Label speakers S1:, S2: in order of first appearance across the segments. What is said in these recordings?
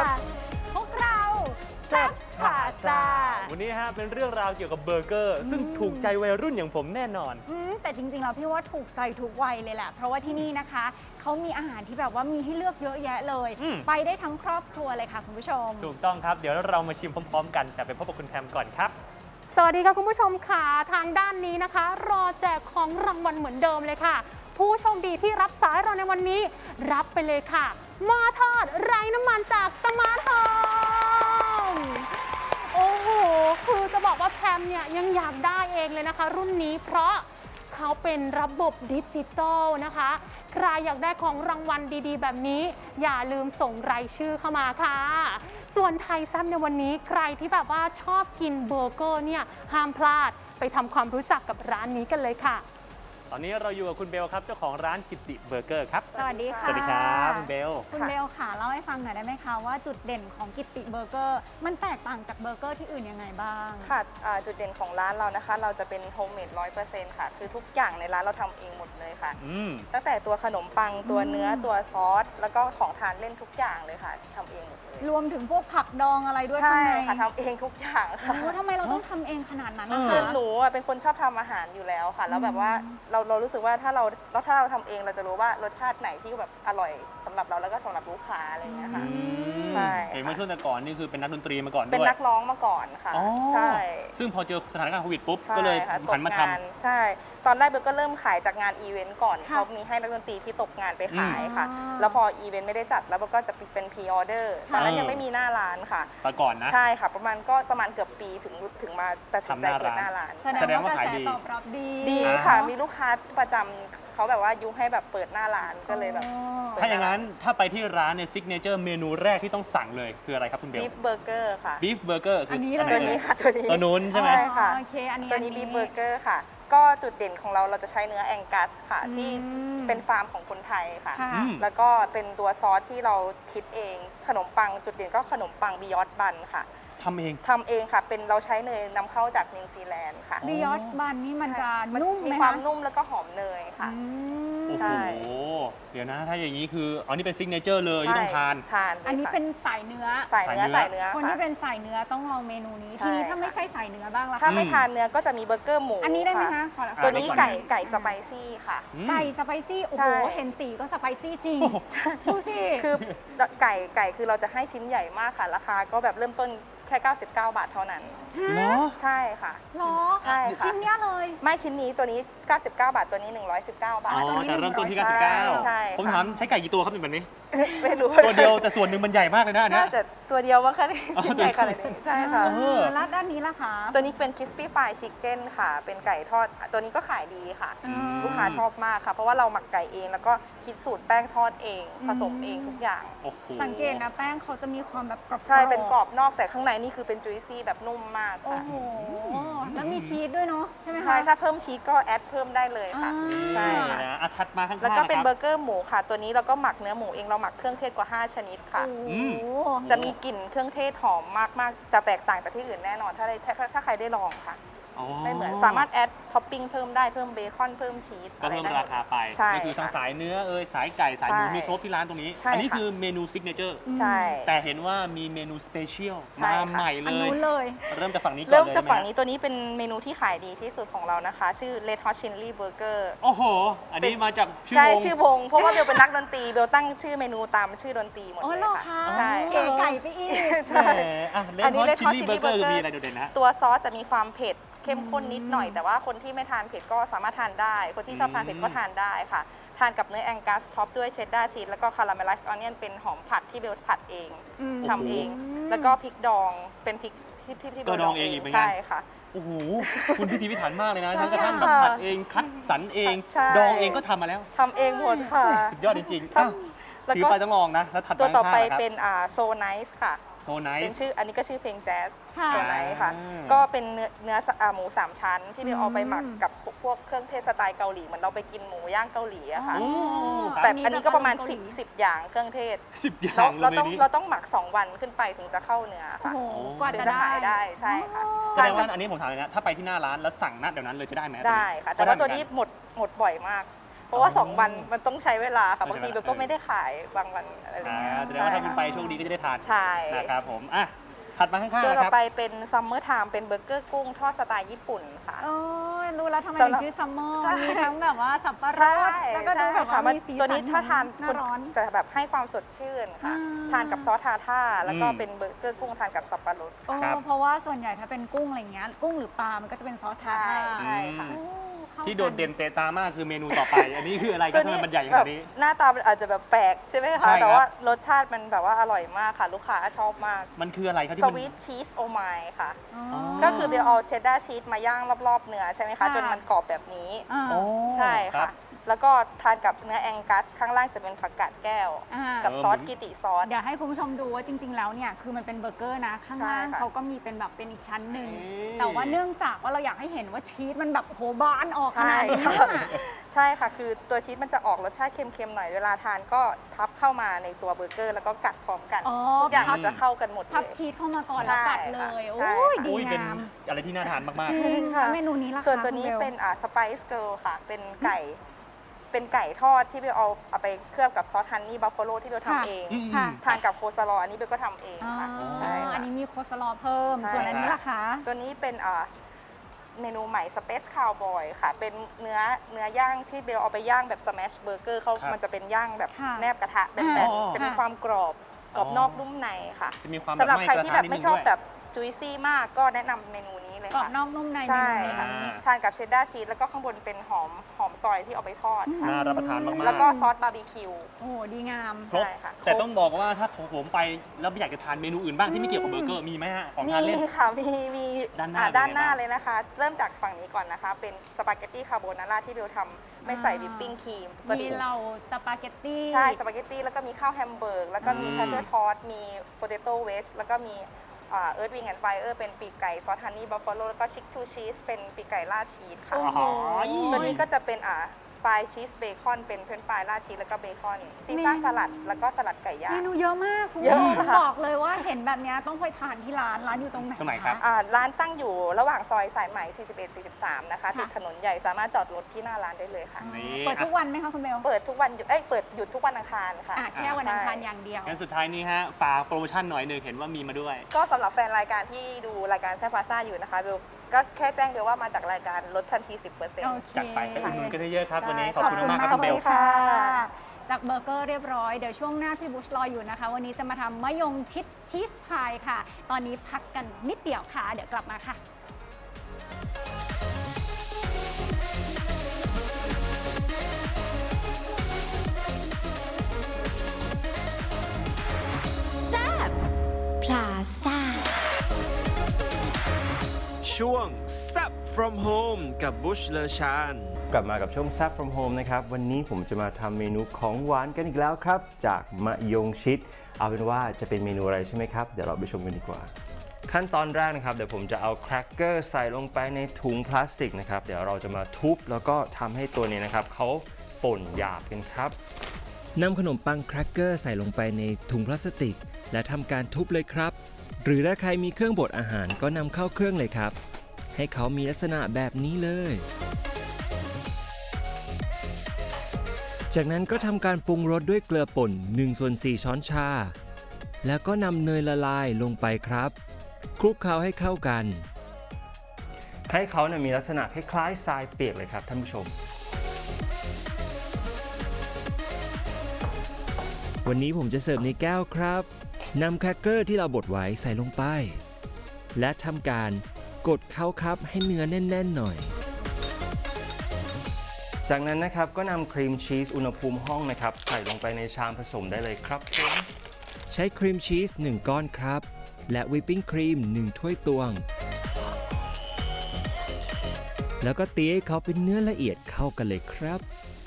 S1: พวกเราแซ่บพาซา
S2: วันนี้ฮะเป็นเรื่องราวเกี่ยวกับเบอร์เกอร์ซึ่งถูกใจวัยรุ่นอย่างผมแน่นอน
S1: แต่จริงๆแล้วพี่ว่าถูกใจทุกวัยเลยแหละเพราะว่าที่นี่นะคะเขามีอาหารที่แบบว่ามีให้เลือกเยอะแยะเลย ไปได้ทั้งครอบครัวเลยค่ะคุณผู้ชม
S2: ถูกต้องครับเดี๋ยวเรามาชิมพร้อมๆกันแต่ไปพบกับคุณแพมก่อนครับ
S3: สวัสดีค่ะคุณผู้ชมค่ะทางด้านนี้นะคะ รอแจกของรางวัลเหมือนเดิมเลยค่ะ ผู้โชคดีที่รับสายเราในวันนี้ รับไปเลยค่ะหม้อทอดไร้น้ำมันจากสมาร์ทโฮมโอ้โหคือจะบอกว่าแพมเนี่ยยังอยากได้เองเลยนะคะ รุ่นนี้เพราะเขาเป็นระบบดิจิตอลนะคะ ใครอยากได้ของรางวัลดีๆ แบบนี้ อย่าลืมส่งรายชื่อเข้ามาค่ะ ส่วนไทยแซ่บในวันนี้ใครที่แบบว่าชอบกินเบอร์เกอร์เนี่ยห้ามพลาดไปทำความรู้จักกับร้านนี้กันเลยค่ะ
S2: ตอนนี้เราอยู่กับคุณเบลครับเจ้าของร้านกิติเบอร์เกอร์ครับ
S1: สวัสดีค่ะ
S2: สวัสดีครับคุณเบล
S1: คุณเบลค่ะเล่าให้ฟังหน่อยได้ไหมคะว่าจุดเด่นของกิตติเบอร์เกอร์มันแตกต่างจากเบอร์เกอร์ที่อื่นยังไงบ้าง
S4: ค่ะจุดเด่นของร้านเรานะคะ เราจะเป็นโฮมเมด100%ค่ะ คือทุกอย่างในร้านเราทำเองหมดเลยค่ะ ตั้งแต่ตัวขนมปังตัวเนื้อตัวซอส แล้วก็ของทานเล่นทุกอย่างเลยค่ะทำเองหมดเลย
S1: รวมถึงพวกผักดองอะไรด้วย
S4: ใช่
S1: ข้างใน
S4: ค่ะทำเองทุกอย่างค่ะ
S1: โอ้ทำไมเราต้องทำเองขนาดนั้นนะ
S4: คือ
S1: คะ
S4: หนูอะเป็นคนชอบทำอาหารอยู่แล้วค่ะ แล้วแบบว่าเรารู้สึกว่าถ้าเราทำเองเราจะรู้ว่ารสชาติไหนที่แบบอร่อยสำหรับเราแล้วก็สำหรับลูกค้าอะไรอย่างเงี้ยค่ะ ใช่
S2: เห็นว่าช่วงแต่ก่อนนี่คือเป็นนักดนตรีมาก่อนด้วย
S4: เป็นนักร้องมาก่อนค่ะ
S2: อ๋อ
S4: ใช่
S2: ซึ่งพอเจอสถานการณ์โควิดปุ๊บ
S4: ใช่
S2: ก็เลย
S4: ค่ะ
S2: หันมาท
S4: ใช่ ตอนแรกเบลก็เริ่มขายจากงานอีเวนต์ก่อน
S1: ค่ะ
S4: เขามีให้นักดนตรีที่ตกงานไปขายค่ะ
S1: อ๋อ
S4: แล้วพออีเวนต์ไม่ได้จัดแล้วเบลก็จะเป็นพรีออเดอร์ตอนนั้นยังไม่มีหน้าร้านค่ะ
S2: ำแต่ก่อนนะ
S4: ใช่ค่ะ ประมาณเกือบปีถึงมาตัดสินใจ
S2: ทำหน้า
S4: เปิด
S2: ร้าน
S4: หน้าร้าน
S1: แสดงว่ากระแสตอบรับดี
S4: ดีค่ะ มีลูกค้าประจำเขาแบบว่ายุให้แบบเปิดหน้าร้านก็เลยแบบ เปิด
S2: ถ้าอย่างนั้นถ้าไปที่ร้านเนี่ยซิกเนเจอร์เมนูแรกที่ต้องสั่งเลยคืออะไรครับคุณเบล
S4: บีฟเบอร์เกอร์ค่ะ
S2: บีฟเบอร์เกอร์คือ
S1: อั
S2: อั
S1: นนี้เลย
S4: ตัวนี้ค่ะตัวนี้
S2: ตัวนู้นใช่ไหม
S4: ใช่ค่ะ
S1: โอเคอันนี้
S4: ตัวนี้บีฟเบอร์เกอร์ค่ะ ก็จุดเด่นของเราจะใช้เนื้อแองกัสค่ะ ที่เป็นฟาร์มของคนไทยค่ะ
S1: ค่ะ
S4: แล้วก็เป็นตัวซอสที่เราคิดเอง ขนมปังจุดเด่นก็ขนมปังบิยอดบันค่ะ
S2: ทำเอง
S4: ทำเองค่ะ เป็นเราใช้เนยนำเข้าจากนิวซีแลนด์ค่ะ
S1: บิยอดบันนี่มันจะนุ่มไห
S4: มี
S1: ม
S4: ความ
S1: คะ
S4: นุ่มแล้วก็หอมเนยค่ะ
S1: อืม
S2: โอ้
S4: ใช่
S2: โห เดี๋ยวนะ ถ้าอย่างนี้คืออันนี้เป็นซิกเนเจอร์เลยที่ต้องทาน
S4: ทานลย
S1: อันนี้
S4: ค่ะ
S1: เป็นสายเนื้อ
S4: ใส่เนื้อ
S2: ใส่
S4: ใส่
S2: เนื้
S4: เนื้
S2: อ
S4: อ
S1: คน
S4: ค่ะ
S1: ที่เป็นสายเนื้อต้องลองเมนูนี้
S4: ใช่
S1: ทีนี้ถ้า
S4: ค่ะ
S1: ไม่ใช่สายเนื้อบ้างล่ะ
S4: ถ้า
S1: คะ
S4: ไม่ทานเนื้อก็จะมีเบอร์เกอร์หมู
S1: อันนี้ได้ไหมคะขอ
S4: ตัวนี้
S2: อ่า
S4: ไก่สไปซี่ค่ะ
S1: ไก่สไปซี่โอ้
S4: ใช่
S1: โหเห็นสีก็สไปซี่จริง
S2: โอ้โห
S1: ดูสิ
S4: คือไก่คือเราจะให้ชิ้นใหญ่มากค่ะ ราคาก็แบบเริ่มต้นแค่ 99 บาทเท่านั้น
S2: เหรอ
S4: ใช่ค่ะ
S1: หรอ
S4: ใช่ค่ะ
S1: ชิ้นเนี้ยเลย
S4: ไม่ชิ้นนี้ตัวนี้ 99 บาทตัวนี้ 119 บา
S2: อ๋
S4: ท
S2: อแต่เริ่มต้นที่
S4: ใช่
S2: 99
S4: ใช่
S2: ผม
S4: ค่ะ
S2: ถามใช้ไก่กี่ตัวครับเป็นแบบนี้
S4: ไม่รู้
S2: ตัวเดียวแต่ส่วนหนึ่งมันใหญ่มากเลยนะอันเนี้
S4: น่าย จะตัวเดียวว่าค่ะชิ้นใหญ่ขนาดนี้ใช่ค่ะ
S2: เออ
S1: แล้วด้านนี้ล่ะคะ
S4: ตัวนี้เป็น crispy fried chicken ค่ะ เป็นไก่ทอด ตัวนี้ก็ขายดีค่ะ ลูกค้าชอบมากค่ะ เพราะว่าเราหมักไก่เอง แล้วก็คิดสูตรแป้งทอดเอง ผสมเองทุกอย่าง
S2: โอ้โห
S1: สังเกตนะแป้งเขาจะมีความแบบกรอบๆ
S4: ใช่ เป็นกรอบนอกแต่ข้างในนี่คือเป็น juicy แบบนุ่มมาก
S1: โอ้
S4: ค่ะ
S1: โห แล้วมีชีสด้วยเนาะใช่ไหมคะ
S4: ใช่ ถ้าเพิ่มชีสก็แอดเพิ่มได้เลยค่ะ ใช่
S2: นี่นะอ่ะถัดมาข้างๆ
S4: แล้วก็เป็น
S2: ะค
S4: เบ
S2: รั
S4: อร์เกอร์หมูค่ะ ตัวนี้เราก็หมักเนื้อหมูเอง เราหมักเครื่องเทศกว่า 5 ชนิดค่ะ
S1: โอ้โห
S4: จะมีกลิ่นเครื่องเทศหอมมากๆ จะแตกต่างจากที่อื่นแน่นอน ถ้าใครได้ลองค่ะ
S2: อ๋อ
S4: ไม่เหมือน สามารถแอดท็อปปิ้งเพิ่มได้ เพิ่มเบคอน เพิ่มชีส
S2: ก็เพิ่ม
S4: อะไรได้
S2: ราคาไป
S4: ใช่
S2: ก็คือทั้ง
S4: ค่ะ
S2: สายเนื้อสายไก่สายหมู
S4: ใช่
S2: มีครบที่ร้านตรงนี้
S4: ใช่
S2: อันี้
S4: ค่ะ
S2: คือเมนูซิกเนเจอร์
S4: ใช่
S2: แต่เห็นว่ามีเมนูสเปเชียล
S4: ใช่
S2: มา
S4: ค่ะ
S2: ใหม่
S1: อัน
S2: เลย
S1: นู้นเลย
S2: เริ่มจากฝั่งนี้ก่อน
S4: เริ่ม
S2: เลย
S4: จาก
S2: ได้ไห
S4: ฝั่งนี้ตัวนี้เป็นเมนูที่ขายดีที่สุดของเรานะคะ ชื่อ Red Hot Chili Burger
S2: โอ้โห อันนี้มาจากชื่อ
S4: ใช่
S2: วง
S4: ชื่อวง เพราะว่าเบลเป็นนักดนตรีเบลตั้งชื่อเมนูตามชื่อดนตรีหมด
S1: อ๋อ
S4: เลย
S1: เหรอ
S4: ค่ะ
S1: คะ
S4: ใช่
S1: เก๋ไก่ไปอีก
S4: ใช่
S2: แหมอ่ะเล
S4: อั
S2: น
S4: นนี้
S2: ฮอต
S4: Red
S2: ชิ
S4: Hot
S2: ลลี่
S4: Chili
S2: เบอร์เกอร์
S4: Burger
S2: มีอะไรโดดเด่นนะฮะ
S4: ตัวซอสจะมีความเผ็ดเข้มข้นนิดหน่อย แต่ว่าคนที่ไม่ทานเผ็ดก็สามารถทานได้ คนที่ชอบทานเผ็ดก็ทานได้ค่ะ ทานกับเนื้อแองกัสท็อปด้วยเชดดาร์ชีสแล้วก็คาราเมลไลซ์ออนเนียนเป็นหอมผัดที่เบลผัดเอง
S1: อืม
S4: ทำเอง แล้วก็พริกดองเป็นพริกที่เบ
S2: ก็
S4: ล
S2: ด
S4: ด
S2: อ
S4: อง ง
S2: เอ
S4: เอง ง
S2: อีกเหมือนกัน
S4: ใช่ค่ะ
S2: โอ้โห คุณพิธีพิถันมากเลยนะ
S4: ใช่
S2: ทั้งกระทั่งแบบ
S4: ค่ะ
S2: ผัดเองคัดสรรเอง
S4: ใช่
S2: ดองเองก็ทำมาแล้ว
S4: ทำเองหมดค่ะ
S2: สุดยอดจริงๆอ้าว
S4: แล้ว
S2: ถือ
S4: ก็
S2: ไปต้องลองนะ แล้วถัด
S4: ตัวต่อไป
S2: ข้างๆนะครับ
S4: เป็นโซไนซ์ค่ะ
S2: โทไน
S4: เป็น
S2: ท์
S4: ชื่ออันนี้ก็ชื่อเพลงแจ๊ส
S1: ค่ะ
S4: โซไนท์ค่ะ
S2: อ่า
S4: ก็เป็นเนื้อหมู3ชั้น ที่เบลเอาไปหมักกับพวกเครื่องเทศสไตล์เกาหลีเหมือนเราไปกินหมูย่างเกาหลีอะค่ะ
S2: โอ้ครับ
S4: แต่อันนี้ก็ประมาณ
S1: เกาหลี
S4: 10 อย่างเครื่องเทศ
S2: 10 อย่า
S4: แล้ว
S2: ง
S4: เรา
S2: เลย
S4: ต้อง
S2: นี้
S4: เราต้องหมัก 2 วันขึ้นไปถึงจะเข้าเนื้อ
S1: โอ้
S4: ค่ะ
S1: โหกว่า
S4: ถึง
S1: จะ
S4: จะ
S1: ได้
S4: ขายได้ใช่ค่ะ
S2: แสดงว่าอันนี้ผมถามเลยนะ ถ้าไปที่หน้าร้านแล้วสั่งณเดี๋ยวนั้นเลยจะได้ไหม
S4: ได้ค่ะ แต่ว่าตัวนี้หมดบ่อยมาก ปราะว่า 2 วันมันต้องใช้เวลาค่ะบางทีเบลก็ไม่ได้ขายบางวันอะไรอย่างเงี้ย
S2: แสดงว่าถ้าคุณไปโชคดีก็จะได้ทาน
S4: ใช่
S2: นะครับผมถัดมาข้างๆ
S4: ตัว
S2: นะ
S4: ต่อ
S2: ครับ
S4: ไปเป็นซัมเมอร์ไทม์เป็นเบอร์เกอร์กุ้งทอดสไตล์ญี่ปุ่นค่ะ
S1: โอ้ยรู้แล้วทำไม
S4: สำ
S1: ถึ
S4: หรับ
S1: งชื่อซัมเมอร์
S4: ใช่
S1: มีทั้งแบบว่าสับปะร
S4: ใช่
S1: ดแล้วก็ดูแบบว่า
S4: มัน
S1: มีสี
S4: ตัวนี้
S1: สั
S4: ถ้าทาน
S1: หน้าร้อน
S4: จะแบบให้ความสดชื่นค่ะ
S1: อ่า
S4: ทานกับซอสทาท่าแล้วก็
S2: อืม
S4: เป็นเบอร์เกอร์กุ้งทานกับสับปะรด
S1: โอ้
S2: ครับ
S1: เพราะว่าส่วนใหญ่ถ้าเป็นกุ้งอะไรเงี้ยกุ้งหรือปลา มันก็จะเป็นซอสทา
S4: ใช่ค่ะ
S1: โอ้ข้า
S2: ที่โดดเด่น
S1: กั
S2: เตะตามากคือเมนูต่อไป อันนี้คืออะไรค
S4: ตั
S2: รับ
S4: วนี้
S2: ทำไมมันใหญ่ข
S4: แบ
S2: นา
S4: บ
S2: ดนี้
S4: หน้าตามันอาจจะแบบแปลกใช่ไหม
S2: ใช่
S4: คะ
S2: ครับ
S4: แต่ว่ารสชาติมันแบบว่าอร่อยมากค่ะ ลูกค้าชอบมาก
S2: มันคืออะไรครับที่
S4: ส
S2: มัน
S4: วีทชีสโอไมค่ะ
S1: อ๋อ
S4: ก็คือเบลเอาเชดดาร์ชีสมาย่างรอบๆเนื้อใช่ไหมคะ
S1: ค่ะ
S4: จนมันกรอบแบบนี้
S1: อ่า
S2: โอ้
S4: ใช่
S2: รั
S4: ค่ะ
S2: บ
S4: แล้วก็ทานกับเนื้อแองกัส ข้างล่างจะเป็นผักกาดแก้ว
S1: อ่า
S4: กับซอสกิติซอส
S1: เดี๋ยวให้คุณผู้ชมดูว่าจริง ๆ แล้วเนี่ยคือมันเป็นเบอร์เกอร์นะ ข้างล่าง
S4: ใช่ค่ะ
S1: เขาก็มีเป็นแบบเป็นอีกชั้นหนึ่ง
S2: เอ๊ะ
S1: แต่ว่าเนื่องจากว่าเราอยากให้เห็นว่าชีสมันแบบโหบานออกข
S4: ใช่
S1: นาดนี้
S4: ค่ะ
S1: อะ
S4: ใช่ค่ะ คือตัวชีสมันจะออกรสชาติเค็มๆหน่อย เวลาทานก็ทับเข้ามาในตัวเบอร์เกอร์ แล้วก็กัดพร้อมกัน
S1: อ๋อ
S4: ทุกอย่างมันจะเข้ากันหมดเล
S1: พับ
S4: ย
S1: ชีสเข้ามาก่อนแล้วกัดเลย
S4: ใช่
S1: โอ้ย
S4: ค่ะ
S1: ดี
S2: อุ้ยเป็น
S1: งาม
S2: อะไรที่น่าทานมาก
S1: จริง
S4: ค่ะ
S1: แล้วเมนูนี้ล่ะคะ
S4: ส่วนตัวนี้
S1: คุณบล
S4: เป็นสไปซ์เกิลค่ะ เป็นไก่ทอดที่เบลเอาไปเคลือบกับซอสฮันนี่บัฟฟาโลที่เบล
S1: ค่ะ
S4: ทำเอง
S2: อืม
S1: ค่ะ
S4: ทานกับโคซาลออันนี้เบลก็ทำเอง
S1: อ๋อ
S4: ค่ะใช่ค่ะ
S1: อันนี้มีโคสลอเพิ่ม
S4: ใช่
S1: ส่วนอันนี้ล่ะคะ
S4: ตัวนี้เป็นเมนูใหม่ Space Cowboy ค่ะ เป็นเนื้อย่างที่เบลเอาไปย่างแบบ Smash Burger เขา
S2: ครับ
S4: มันจะเป็นย่างแบบ
S1: ค่ะ
S4: แนบกระทะแบ
S1: อ๋
S4: น
S1: อ
S4: ๆจะมี
S1: ค่ะ
S4: ความกรอบนอกนุ่มในค่ะ
S2: ๆ จะมีความ
S4: สำหรับ
S2: ไหม้
S4: ใครที่แบบ
S2: กะทะ
S4: ไม่ชอบ
S2: นิดนึงด้วย
S4: แบบจุยซี่มากก็แนะนำเมนูนี้เลย
S1: กรอบ
S4: ค่ะ
S1: นอกนุ่มในเม
S4: ใช่
S1: นู
S4: ค่ะ
S1: นี้
S4: ทานกับเชดดาร์ชีสแล้วก็ข้างบนเป็นหอมซอยที่เอาไปทอดค่ะ
S2: น่ารับประทานมากๆ
S4: แล้วก็ซอสบาร์บีคิว
S1: โอ้โหดีงาม
S2: ครบ
S4: ใช่ค่ะ
S2: แต่ต้องบอกว่าถ้าผมไปแล้วอยากจะทานเมนูอื่นบ้างที่ไม่เกี่ยวกับเบอร์เกอร์มีไหมฮะของทานเล่น
S4: มีค่ะ มี
S2: ด้านหน้า
S4: ด้านหน้า
S2: เป็นไงบ้าง
S4: เลยนะคะ เริ่มจากฝั่งนี้ก่อนนะคะ เป็นสปาเกตตี้คาโบนาร่าที่เบลทำไม่ใส่วิปปิ้งครีมปก
S1: มี
S4: ติ
S1: เราสปาเกตตี้
S4: ใช่สปาเกตตี้แล้วก็มีข้าวแฮมเบอร์กแล้วก็มี
S2: อืม
S4: แพทเทอร์ทอสมีโปเตโต้เวชแล้วก็มีเอิร์ธวิงแอนด์ไฟเออร์เป็นปีกไก่ซอสฮันนี่บัฟฟาโลแล้วก็ชิคทูชีสเป็นปีกไก่ราดชีสค่ะ
S1: โอ้โห
S4: ตัวนี้ก็จะเป็นฟรายชีสเบคอนเป็นเฟรนช์ฟรายราดชีสแล้วก็เบคอนซีซ่าสลัดแล้วก็สลัดไก่ย่า
S1: เม
S4: ง
S1: นูเยอะมากคุณ
S4: เยอะ
S1: ผู้ชม
S4: ค่ะ
S1: บอกเลยว่าเห็นแบบเนี้ยต้องไปทานที่ร้านอยู่ตรงไหน
S2: ตรงไหนครับ
S1: ะ
S4: ร้านตั้งอยู่ระหว่างซอยสายไหม 41-43 นะคะ
S1: ค่ะ
S4: ติดถนนใหญ่สามารถจอดรถที่หน้าร้านได้เลยค่ะ
S2: นี่
S1: เปิดทุกวันไหมคะคุณเบล
S4: เปิดทุกวันเปิดหยุดทุกวันอังคารค่ะ
S1: แค่วันอังคาร
S4: ใช่
S1: อย่างเดียว
S2: งั้นสุดท้ายนี้ฮะฝากโปรโมชั่นหน่อยหนึ่งเห็นว่ามีมาด้วย
S4: ก็สำหรับแฟนรายการที่ดูรายการแซ่บพาซ่าอยู่นะคะเบลก็แค่แจ้งเบลว่ามาจากรายการลดทันที 10%
S1: โอเค
S2: จัดไปไปอุดหนุนกันเยอะๆครับ วันนี้
S4: ได้
S2: ขอบคุณมากๆครับคุณเบล
S1: ค่ะ จากเบอร์เกอร์เรียบร้อย เดี๋ยวช่วงหน้าพี่บุชรออยู่นะคะ วันนี้จะมาทำมะยงชิดชีสพายค่ะ ตอนนี้พักกันนิดเดียวค่ะ เดี๋ยวกลับมาค่ะ
S5: พลาซ่า
S6: ช่วง Sup from Home กับบุชเลชานกลับมากับช่วง Sup from Home นะครับ วันนี้ผมจะมาทำเมนูของหวานกันอีกแล้วครับ จากมะยงชิด เอาเป็นว่าจะเป็นเมนูอะไรใช่ไหมครับ เดี๋ยวเราไปชมกันดีกว่า ขั้นตอนแรกนะครับ เดี๋ยวผมจะเอาแครกเกอร์ใส่ลงไปในถุงพลาสติกนะครับ เดี๋ยวเราจะมาทุบแล้วก็ทำให้ตัวนี้นะครับเขาป่นหยาบกันครับ
S7: นำขนมปังแครกเกอร์ใส่ลงไปในถุงพลาสติก และทำการทุบเลยครับ หรือถ้าใครมีเครื่องบดอาหารก็นำเข้าเครื่องเลยครับ ให้เขามีลักษณะแบบนี้เลย จากนั้นก็ทำการปรุงรสด้วยเกลือป่น 1/4 ช้อนชา แล้วก็นำเนยละลายลงไปครับ คลุกเคล้าให้เข้ากัน
S6: ให้เขาเนี่ยมีลักษณะคล้ายๆทรายเปียกเลยครับท่านผู้ชม
S7: วันนี้ผมจะเสิร์ฟในแก้วครับ นำแครกเกอร์ที่เราบดไว้ใส่ลงไป และทำการกดเข้าครับให้เนื้อแน่นๆหน่อย
S6: จากนั้นนะครับก็นำครีมชีสอุณหภูมิห้องนะครับใส่ลงไปในชามผสมได้เลยครับผม
S7: ใช้ครีมชีส 1 ก้อนครับ และวิปปิ้งครีม 1 ถ้วยตวง แล้วก็ตีให้เขาเป็นเนื้อละเอียดเข้ากันเลยครับ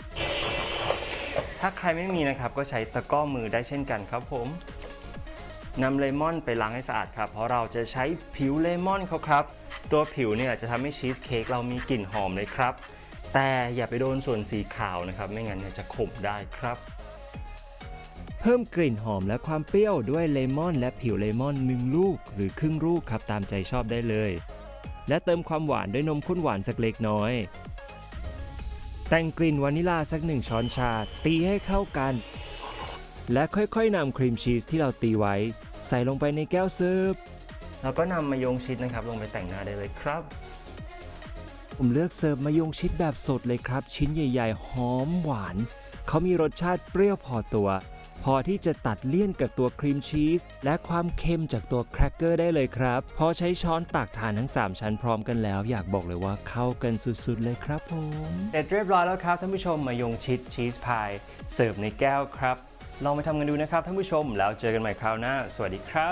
S6: ถ้าใครไม่มีนะครับก็ใช้ตะกร้อมือได้เช่นกันครับผมนำเลมอนไปล้างให้สะอาดครับเพราะเราจะใช้ผิวเลมอนเขาครับตัวผิวเนี่ยจะทำให้ชีสเค้กเรามีกลิ่นหอมเลยครับแต่อย่าไปโดนส่วนสีขาวนะครับไม่งั้นเนี่ยจะขมได้ครับ
S7: เพิ่มกลิ่นหอมและความเปรี้ยวด้วยเลมอนและผิวเลมอน 1 ลูกหรือครึ่งลูกครับตามใจชอบได้เลย และเติมความหวานด้วยนมข้นหวานสักเล็กน้อยแต่งกลิ่นวานิลาสัก1 ช้อนชาตีให้เข้ากัน และค่อยๆนำครีมชีสที่เราตีไว้ใส่ลงไปในแก้วเสิร์ฟ
S6: เราก็นำมะยงชิดนะครับลงไปแต่งหน้าได้เลยครับ
S7: ผมเลือกเสิร์ฟมะยงชิดแบบสดเลยครับ ชิ้นใหญ่ๆหอมหวาน เขามีรสชาติเปรี้ยวพอตัว พอที่จะตัดเลี่ยนกับตัวครีมชีสและความเค็มจากตัวแครกเกอร์ได้เลยครับ พอใช้ช้อนตักทานทั้ง 3 ชั้นพร้อมกันแล้ว อยากบอกเลยว่าเข้ากันสุดๆเลยครับผม
S6: เสร็จเรียบร้อยแล้วครับท่านผู้ชมมะยงชิดชีสพายเสิร์ฟในแก้วครับ ลองไปทำกันดูนะครับท่านผู้ชมแล้วเจอกันใหม่คราวหน้า สวัสดีครับ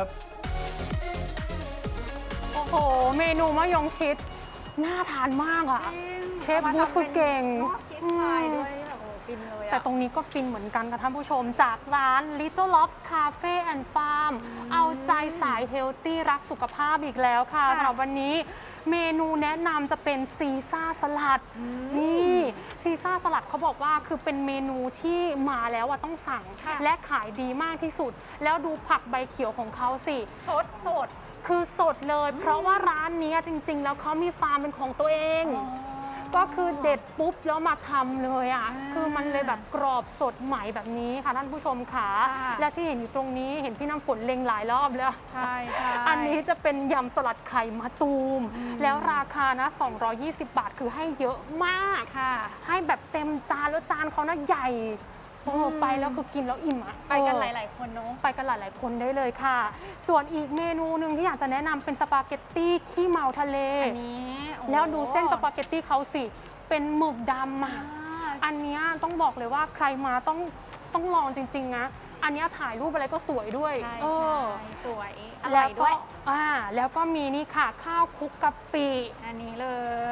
S3: โอ้โห เมนูมะยงชิดน่าทานมากอ่ะ เชฟบูธคือเก่ง
S1: ชีสพายด้วยแบบโอ้ฟินเลยอะ
S3: แต่ตรงนี้ก็ฟินเหมือนกันค่ะท่านผู้ชมจากร้าน Little Loft Cafe and Farm เอาใจสายเฮลตี้รักสุขภาพอีกแล้วค่ะสำหรับวันนี้เมนูแนะนำจะเป็นซีซ่าสลัดนี่ซีซ่าสลัดเขาบอกว่าคือเป็นเมนูที่มาแล้วอะต้องสั่ง และขายดีมากที่สุด แล้วดูผักใบเขียวของเขาสิ
S1: สด
S3: คือสดเลย เพราะว่าร้านนี้จริง ๆ แล้วเขามีฟาร์มเป็นของตัวเอง ก็คือเด็ดปุ๊บแล้วมาทำเลยอ่ะ คือมันเลยแบบกรอบสดใหม่แบบนี้ค่ะท่านผู้ชมค่ะ และที่เห็นอยู่ตรงนี้เห็นพี่น้ำฝนเล็งหลายรอบแล้ว
S1: ใช่ใช่
S3: อันนี้จะเป็นยำสลัดไข่มะตูม แล้วราคานะ220 บาทคือให้เยอะมาก
S1: ค่ะ
S3: ให้แบบเต็มจานแล้วจานเขานะใหญ่โอ้ไปแล้วคือกินแล้วอิ่มอ่ะ
S1: ไปกันหลายๆคนเนาะ
S3: ไปกันหลาย ๆ คนได้เลยค่ะ ส่วนอีกเมนูหนึ่งที่อยากจะแนะนำเป็นสปาเกตตี้ขี้เมาทะเล
S1: อันนี้โอ้
S3: แล้วดูเส้นสปาเกตตี้เขาสิ เป็นหมึกดำอ่ะ
S1: อ่า
S3: อันเนี้ยต้องบอกเลยว่าใครมาต้องลองจริง ๆ นะ อันเนี้ยถ่ายรูปอะไรก็สวยด้วย
S1: ใช่
S3: เออ
S1: สวยอร่
S3: แล้
S1: อ
S3: วย
S1: ด้วย
S3: แล้วก็มีนี่ค่ะ ข้าวคลุกกะปิ
S1: อันนี้เลย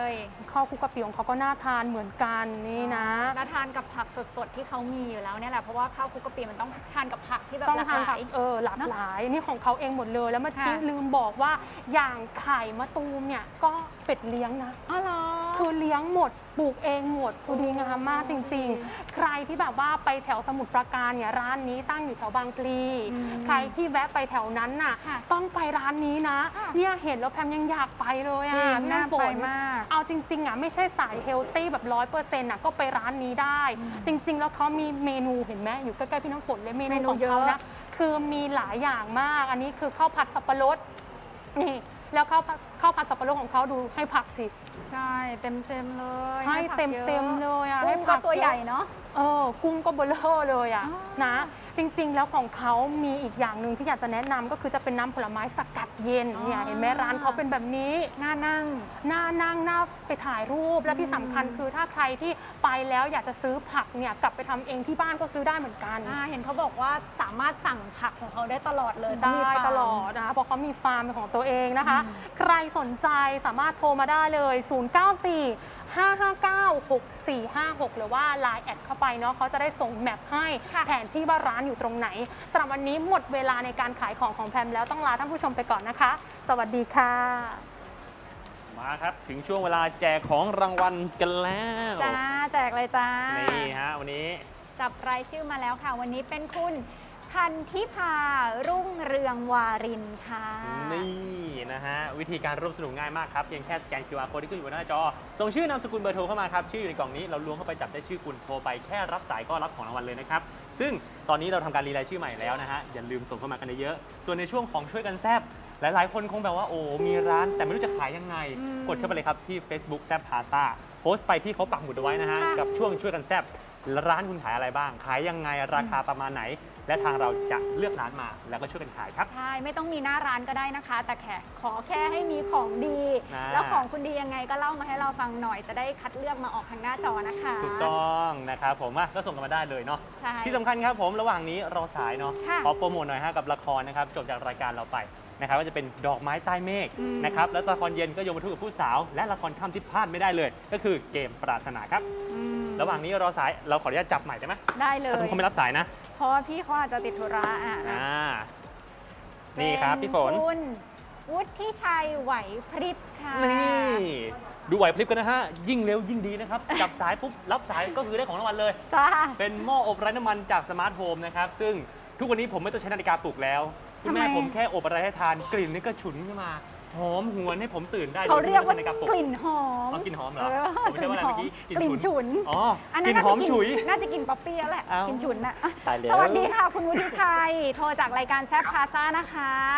S3: ข้าวคลุกกะปิของเขาก็น่าทานเหมือนกันนี่นะ
S1: แล้วทานกับผักสดๆที่เขามีอยู่แล้วเนี่ยแหละ เพราะว่าข้าวคลุกกะปิมันต้องทานกับผักที่แบบ
S3: ต้อง
S1: หลาก
S3: ทาน
S1: ห
S3: ผั
S1: ลาก ย
S3: หลากหลายนี่ของเขาเองหมดเลย แล้วเมื่อกี้
S1: ค่ะ
S3: ลืมบอกว่าอย่างไข่มะตูมเนี่ยก็เป็ดเลี้ยงนะ
S1: อ๋อเหรอ
S3: คือเลี้ยงหมดปลูกเองหมดคือดีงามมากจริง ๆ ใครที่แบบว่าไปแถวสมุทรปราการเนี่ยร้านนี้ตั้งอยู่แถวบางพลีใครที่แวะไปแถวนั้นน่ะ
S1: ค่ะ
S3: ต้องไปร้านนี้นะ
S1: ค่ะ
S3: เนี่ยเห็นแล้วแพมยังอยากไปเลยอ่ะ
S1: จริง
S3: พี่
S1: น่า
S3: น้ำฝ
S1: ไป
S3: น
S1: มาก
S3: เอาจริงๆอ่ะไม่ใช่สายเฮลตี้แบบ100%อ่ะก็ไปร้านนี้ได้ จริง ๆ แล้วเขามีเมนูเห็นไหมอยู่ใกล้ๆพี่น้ำฝนเลยเมนูของเขานะคือมีหลายอย่างมาก อันนี้คือข้าวผัดสับปะรดนี่แล้วข้าวผัดสับปะรดของเขาดูให้ผักสิ
S1: ใช่เต็มเลย
S3: ให้
S1: ผัก
S3: เต็ม
S1: ยอะ
S3: เต็มเลยอ่ะ
S1: กุ้งก็ตัวใหญ่เนาะ
S3: กุ้งก็เบลอเลยอ่ะ
S1: อ๋อ
S3: นะ จริงๆ แล้วของเขามีอีกอย่างหนึ่งที่อยากจะแนะนำก็คือจะเป็นน้ำผลไม้สกัดเย็นเนี่ยเห็นไหมร้านเขาเป็นแบบนี้
S1: น่านั่ง
S3: น่านั่งน่าไปถ่ายรูปและที่สำคัญคือถ้าใครที่ไปแล้วอยากจะซื้อผักเนี่ยกลับไปทำเองที่บ้านก็ซื้อได้เหมือนกัน
S1: เห็นเขาบอกว่าสามารถสั่งผักของเขาได้ตลอดเลย
S3: ได้
S1: มีฟาร์ม
S3: ตลอดนะคะเพราะเขามีฟาร์มเป็นของตัวเองนะคะ ใครสนใจสามารถโทรมาได้เลย 094-559-6456 หรือว่า Line แอดเข้าไปเนาะเขาจะได้ส่งแมปให้
S1: ค่ะ
S3: แผนที่ว่าร้านอยู่ตรงไหนสำหรับวันนี้หมดเวลาในการขายของแพมแล้วต้องลาท่านผู้ชมไปก่อนนะคะ สวัสดีค่ะ
S2: มาครับถึงช่วงเวลาแจกของรางวัลกันแล้ว
S1: จ้าแจกเลยจ้า
S2: นี่ฮะวันนี้
S1: จับรายชื่อมาแล้วค่ะ วันนี้เป็นคุณพันธิพารุ่งเรืองวารินค่ะ
S2: นี่นะฮะวิธีการร่วมสนุกง่ายมากครับเพียงแค่สแกน QR code ที่ขึ้นอยู่บนหน้าจอ ส่งชื่อนามสกุลเบอร์โทรเข้ามาครับ ชื่ออยู่ในกล่องนี้เราล้วงเข้าไปจับได้ชื่อคุณโทรไปแค่รับสายก็รับของรางวัลเลยนะครับ ซึ่งตอนนี้เราทำการรีรายชื่อใหม่แล้วนะฮะอย่าลืมส่งเข้ามากันเยอะๆส่วนในช่วงของช่วยกันแซบหลายๆคนคงแบบว่าโอ้มีร้านแต่ไม่รู้จะขายยังไง กดเข้าไปเลยครับที่ Facebook แซบพาซาโพสต์ไปที่เขาปักหมุดเอาไว้นะฮะกับช่วงช่วยกันแซบร้านคุณขายอะไรบ้าง ขายยังไงราคาประมาณไหน และทางเราจะเลือกร้านมาแล้วก็ช่วยกันขายครับ
S1: ใช่ ไม่ต้องมีหน้าร้านก็ได้นะคะ แต่ขอแค่ให้มีของดี
S2: อ่า
S1: แล้วของคุณดียังไงก็เล่ามาให้เราฟังหน่อย จะได้คัดเลือกมาออกทางหน้าจอนะคะ
S2: ถูกต้องนะครับผมก็ส่งกันมาได้เลยเนาะ
S1: ใช่
S2: ที่สำคัญครับผมระหว่างนี้รอสายเนาะ
S1: ค่ะ
S2: ขอโปรโมทหน่อยฮะกับละครนะครับจบจากรายการเราไปนะครับก็จะเป็นดอกไม้ใต้เมฆนะครับแล้วละครเย็นก็โยมทูตกับผู้สาว และละครค่ำที่พลาดไม่ได้เลย ก็คือเกมปรารถนาครับ ระหว่างนี้รอสายเราขออนุญาตจับใหม่ได้ไหม
S1: ได้เลย
S2: ถ้าสมมติเขาไม่รับสายนะ
S1: เพราะว่าพี่เขาอาจจะติดธุระนะ
S2: นี่ครับพี่ฝน
S1: คุณวุฒิชัยไหวพริบค่ะ
S2: นี่ดูไหวพริบกันนะฮะยิ่งเร็วยิ่งดีนะครับ จับสายปุ๊บรับสายก็คือได้ของรางวัลเลย
S1: จ้า
S2: เป็นหม้ออบไร้น้ำมันจากสมาร์ทโฮมนะครับ ซึ่งทุกวันนี้ผมไม่ต้องใช้นาฬิกาปลุกแล้ว คุณแม่
S1: ทำไม
S2: ผมแค่อบอะไรให้ทานกลิ่นนี่ก็ฉุนขึ้นมาหอมหวนให้ผมตื่นได้
S1: เขาเรียกว่า
S2: โดที่ไม่ต้อง
S1: กลิ่นหอม
S2: เอากลิ่นหอมเหรอ
S1: เออ
S2: ผมไม่ใช่ว่าอะไรเมื่อกี้
S1: กลิ่นฉุน
S2: อ๋อ
S1: อัน
S2: ก
S1: นั้
S2: ลิ่
S1: น
S2: นหอมฉุย
S1: น่าจะกินป๊อปปี้แล้วแหละ
S2: เอ้าก
S1: ลิ่นฉุนน่ะอ่ะ
S2: ตายแล้ว
S1: สวัสดีค่ะคุณวุฒิชัย โทรจากรายการแซฟพาซ่านะคะ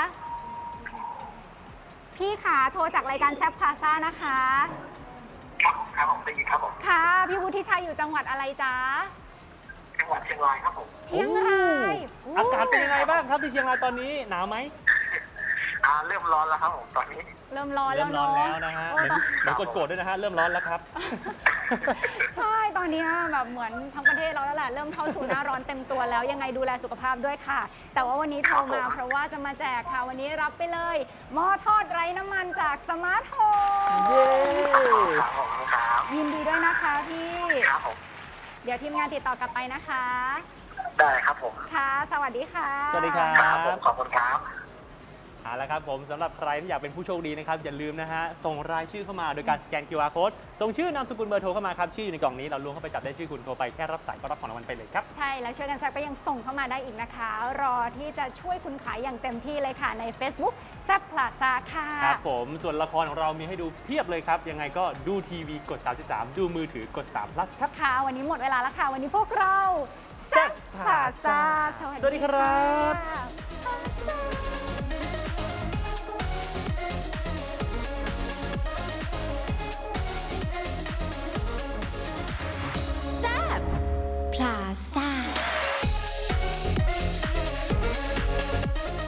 S1: พี่ขาโทรจากรายการแซฟพาซ่านะคะ
S8: ครับผมได้ยินครับผม
S1: ค่ะ พี่วุฒิชัยอยู่จังหวัดอะไรจ๊ะ
S8: จังหวัดเชียงรายครับผม
S1: เชียงราย
S2: อากาศเป็นยังไงบ้างครับที่เชียงรายตอนนี้หนาวไหม
S8: เริ่มร้อนแล้วครับผมตอนนี้
S1: เริ่มร้อน
S2: เริ่
S1: แล้ว
S2: มร้อน
S1: เนาะ
S2: แล้วนะฮะ
S1: โอ้
S2: เหมือน
S1: ต้อง
S2: เหมือนกดๆด้วยนะฮะเริ่มร้อนแล้วครับ
S1: ใช่ตอนนี้แบบเหมือนทั้งประเทศเราแล้วแหละเริ่มเข้าสู่หน้าร้อนเต็มตัวแล้วยังไงดูแลสุขภาพด้วยค่ะ แต่ว่าวันนี้โทรมาเพราะว่าจะมาแจกค่ะ วันนี้รับไปเลยหม้อทอดไร้น้ำมันจากสมาร์ทโฮม
S2: เย้
S8: ครับผมครับ
S1: ยินดีด้วยนะคะพี่
S8: ครับผม
S1: เดี๋ยวทีมงานติดต่อกลับไปนะคะ
S8: ได้ครับผม
S1: ค่ะ สวัสดีค่ะ
S2: สวัสดีครั
S8: ครับผม
S2: บ
S8: ขอบคุณครับ
S2: เอาละครับผมสำหรับใครที่อยากเป็นผู้โชคดีนะครับอย่าลืมนะฮะส่งรายชื่อเข้ามาโดยการสแกน QR code ส่งชื่อนามสกุลเบอร์โทรเข้ามาครับชื่ออยู่ในกล่องนี้เราล้วงเข้าไปจับได้ชื่อคุณโทรไปแค่รับสายก็รับของรางวัลไปเลยครับ
S1: ใช่แล้วช่วยกันแซกก็ยังส่งเข้ามาได้อีกนะคะ รอที่จะช่วยคุณขายอย่างเต็มที่เลยค่ะใน Facebook แซบพลาซาค่ะ
S2: ครับผมส่วนละครของเรามีให้ดูเพียบเลยครับ ยังไงก็ดูทีวีกด 33 ดูมือถือกด3 plus ครับ
S1: ค่ะ วันนี้หมดเวลาแล้วค่ะ วันนี้พวกเราแซบพลาซา
S2: สวัสดีครับ
S1: ค่ะ